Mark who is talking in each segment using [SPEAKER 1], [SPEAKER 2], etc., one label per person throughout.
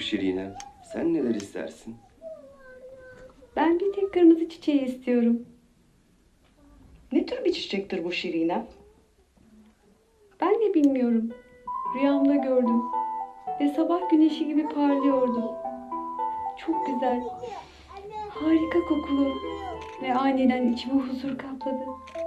[SPEAKER 1] Şirinem. Sen neler istersin?
[SPEAKER 2] Ben bir tek kırmızı çiçeği istiyorum.
[SPEAKER 3] Ne tür bir çiçektir bu Şirinem?
[SPEAKER 2] Ben de bilmiyorum. Rüyamda gördüm. Ve sabah güneşi gibi parlıyordu. Çok güzel. Harika kokulu. Ve aniden içimi huzur kapladı.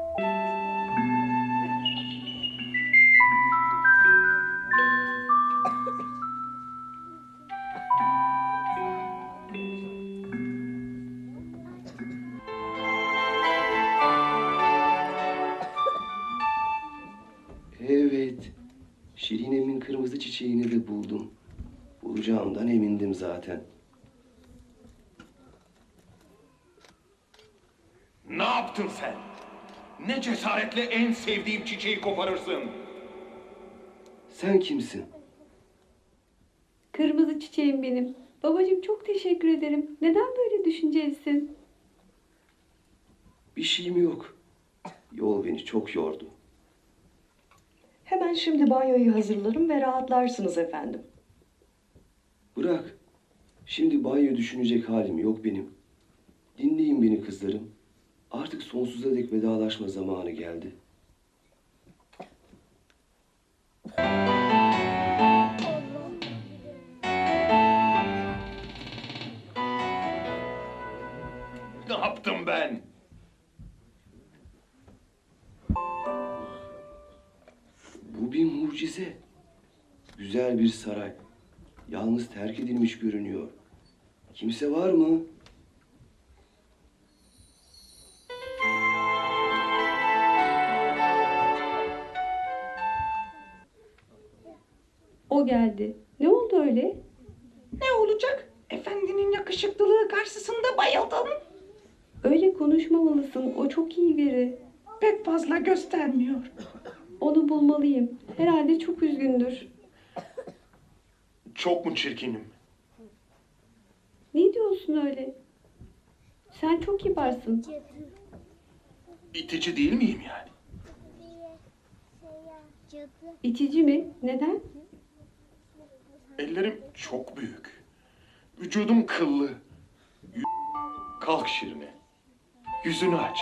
[SPEAKER 1] Evet. Şirinem'in kırmızı çiçeğini de buldum. Bulacağımdan emindim zaten.
[SPEAKER 4] Ne yaptın sen? Ne cesaretle en sevdiğim çiçeği koparırsın?
[SPEAKER 1] Sen kimsin?
[SPEAKER 2] Kırmızı çiçeğim benim. Babacığım çok teşekkür ederim. Neden böyle düşüncelisin?
[SPEAKER 1] Bir şeyim yok. Yol beni çok yordu.
[SPEAKER 3] Hemen şimdi banyoyu hazırlarım ve rahatlarsınız efendim.
[SPEAKER 1] Bırak. Şimdi banyo düşünecek halim yok benim. Dinleyin beni kızlarım. Artık sonsuza dek vedalaşma zamanı geldi.
[SPEAKER 4] Ne yaptım ben?
[SPEAKER 1] Bu bir mucize. Güzel bir saray. Yalnız terk edilmiş görünüyor. Kimse var mı?
[SPEAKER 2] O geldi. Ne oldu öyle?
[SPEAKER 5] Ne olacak? Efendinin yakışıklılığı karşısında bayıldım.
[SPEAKER 2] Öyle konuşmamalısın. O çok iyi biri.
[SPEAKER 5] Pek fazla göstermiyor.
[SPEAKER 2] Onu bulmalıyım. Herhalde çok üzgündür.
[SPEAKER 4] Çok mu çirkinim?
[SPEAKER 2] Ne diyorsun öyle? Sen çok kibarsın.
[SPEAKER 4] İtici değil miyim yani?
[SPEAKER 2] İtici mi? Neden?
[SPEAKER 4] Ellerim çok büyük. Vücudum kıllı. Kalk Şirine. Yüzünü aç.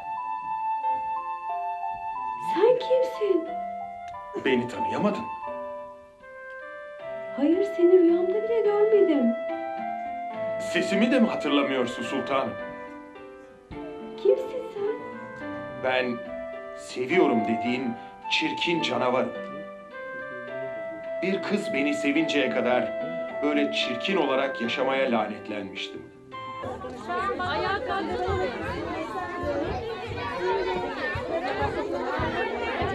[SPEAKER 2] Sen kimsin?
[SPEAKER 4] Beni tanıyamadın.
[SPEAKER 2] Hayır, seni rüyamda bile görmedim.
[SPEAKER 4] Sesimi de mi hatırlamıyorsun sultanım?
[SPEAKER 2] Kimsin sen?
[SPEAKER 4] Ben seviyorum dediğin çirkin canavarım. Bir kız beni sevinceye kadar böyle çirkin olarak yaşamaya lanetlenmiştim.
[SPEAKER 6] Ayağa kalkın oraya.